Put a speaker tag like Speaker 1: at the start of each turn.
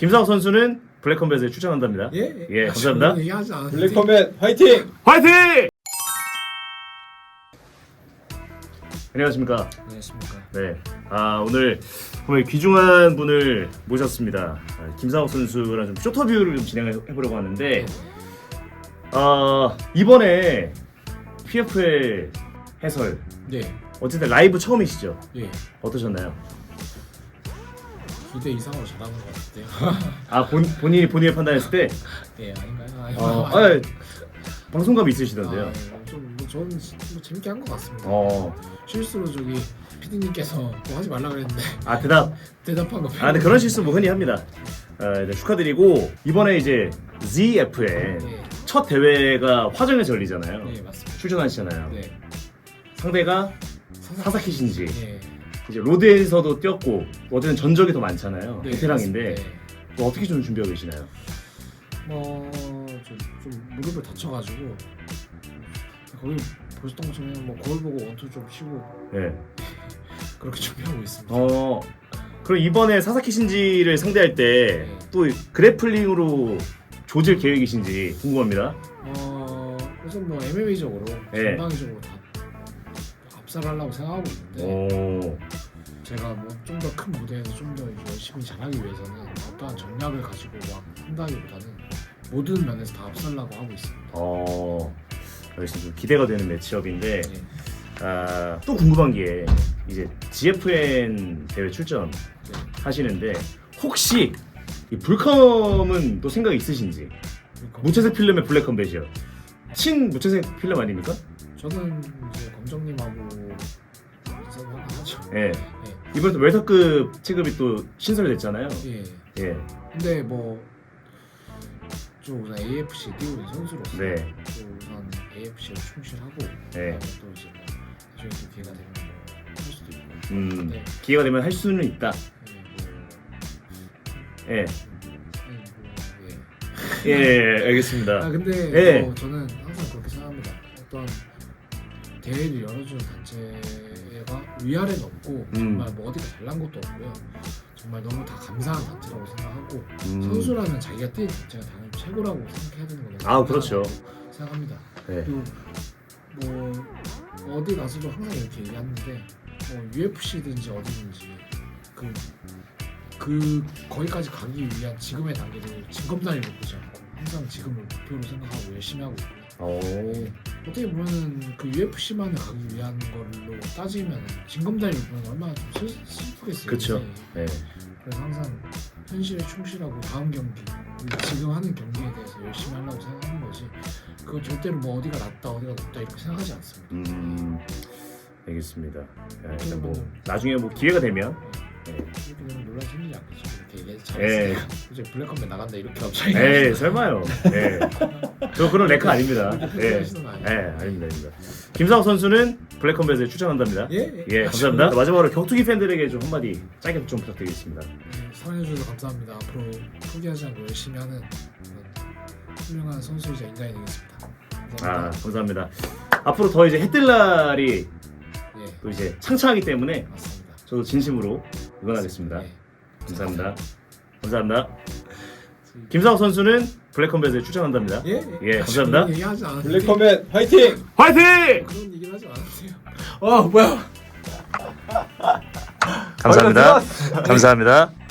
Speaker 1: 김상욱 선수는 블랙컴뱃에 출전한답니다. 예, 감사합니다.
Speaker 2: 블랙컴뱃 화이팅!
Speaker 1: 화이팅! 안녕하십니까.
Speaker 3: 안녕하십니까.
Speaker 1: 네. 오늘 정말 귀중한 분을 모셨습니다. 김상욱 선수랑 좀 쇼터뷰를 좀 진행해보려고 하는데, 이번에 PFL 해설,
Speaker 3: 네.
Speaker 1: 어쨌든 라이브 처음이시죠?
Speaker 3: 예.
Speaker 1: 어떠셨나요?
Speaker 3: 기대 이상으로 잘하는 것 같은데요.
Speaker 1: 본인이 판단했을 때,
Speaker 3: 예, 아닌가요?
Speaker 1: 방송감이 있으시던데요.
Speaker 3: 저는 뭐 재밌게 한 것 같습니다. 실수로 저기 PD님께서 뭐 하지 말라 그랬는데 대답한 거.
Speaker 1: 근데 그런 실수 뭐 흔히 합니다. 네, 축하드리고 이번에 이제 ZFN 첫 대회가 화정에서 열리잖아요.
Speaker 3: 네, 맞습니다.
Speaker 1: 출전하시잖아요.
Speaker 3: 네.
Speaker 1: 상대가 사사키 신지.
Speaker 3: 네.
Speaker 1: 이제 로드에서도 뛰었고 어쨌든 전적이 더 많잖아요.
Speaker 3: 네,
Speaker 1: 베테랑인데
Speaker 3: 네.
Speaker 1: 뭐 어떻게 좀 준비하고 계시나요?
Speaker 3: 좀 무릎을 다쳐가지고 거기 보셨던 것처럼 뭐 거울 보고 원투 좀 쉬고
Speaker 1: 네.
Speaker 3: 그렇게 준비하고 있습니다.
Speaker 1: 그럼 이번에 사사키 신지를 상대할 때 또 그래플링으로 조질 계획이신지 궁금합니다.
Speaker 3: 우선 뭐 MMA적으로
Speaker 1: 네.
Speaker 3: 전방위적으로 다 압살하려고 생각하고 있는데 제가 뭐 좀 더 큰 무대에서 좀 더 열심히 잘하기 위해서는 어떠한 전략을 가지고 막 한다기보다는 모든 면에서 다 압살하려고 하고 있습니다.
Speaker 1: 알겠습니다. 기대가 되는 매치업인데
Speaker 3: 네.
Speaker 1: 또 궁금한 게 이제 GFN 대회 출전 하시는데 혹시 이 불컴은 또 생각이 있으신지? 무채색 필름의 블랙컴뱃이요. 친 무채색 필름 아닙니까?
Speaker 3: 저는 이제 검정님하고 하죠.
Speaker 1: 예. 이번에 또 웰터급 체급이 또 신설이 됐잖아요.
Speaker 3: 예. 근데 뭐 좀 우선 AFC 뛰고 있는 선수로서
Speaker 1: 네.
Speaker 3: 또 우선 AFC를 충실하고
Speaker 1: 네.
Speaker 3: 또 이제 뭐 나중에 또 기회가 되면 뭐 할 수도 있고. 네.
Speaker 1: 기회가 되면 할 수는 있다. 예. 예, 알겠습니다.
Speaker 3: 근데 뭐 저는 항상 그렇게 생각합니다. 어떤 대회를 열어주는 단체가 위아래는 없고 정말 뭐 어디가 잘난 것도 없고요. 정말 너무 다 감사한 단체라고 생각하고 선수라면 자기가 뛰는 단체가 당연히 최고라고 생각해야 되는 거라고
Speaker 1: 그렇죠.
Speaker 3: 생각합니다.
Speaker 1: 네.
Speaker 3: 그리고 뭐 어디 가서도 항상 이렇게 얘기하는데 뭐 UFC든지 어디든지 거기까지 가기 위한 지금의 단계를 진검다리로 보지 않고 항상 지금을 목표로 생각하고 열심히 하고 있고요. 어떻게 보면은 그 UFC만을 가기 위한 걸로 따지면 진검다리로 보면 얼마나 좀 슬프겠어요.
Speaker 1: 그렇죠. 네.
Speaker 3: 그래서 항상 현실에 충실하고 다음 경기 그리고 지금 하는 경기에 대해서 열심히 하려고 생각하는 거지. 그거 절대로 뭐 어디가 낫다 어디가 높다 이렇게 생각하지 않습니다.
Speaker 1: 알겠습니다. 일단 뭐 나중에 뭐 기회가 되면
Speaker 3: 이렇게 되면 논란이 생기지 않겠죠. 이렇게 얘기해서
Speaker 1: 예.
Speaker 3: 잘했어요. 이제 블랙컴뱃 나간다 이렇게 갑자기.
Speaker 1: 설마요. 저 그런 레카 아닙니다. 아닙니다. 김상욱 선수는 블랙컴뱃에 출전한답니다.
Speaker 3: 예.
Speaker 1: 감사합니다. 마지막으로 격투기 팬들에게 좀 한마디 짧게 좀 부탁드리겠습니다.
Speaker 3: 사랑해주셔서 감사합니다. 앞으로 포기하지 않고 열심히 하는 훌륭한 선수이자 인간이 되겠습니다.
Speaker 1: 감사합니다. 앞으로 더 이제 해뜰 날이 또 이제 창창하기 때문에
Speaker 3: 맞습니다.
Speaker 1: 저도 진심으로 응원하겠습니다. 감사합니다. 김상욱 선수는 블랙컴뱃에 출전한답니다. 감사합니다.
Speaker 3: 얘기하지 않았는데.
Speaker 2: 블랙컴뱃 화이팅!
Speaker 1: 화이팅!
Speaker 3: 그런 얘기를 하지 않았어요.
Speaker 2: 뭐야?
Speaker 1: 감사합니다.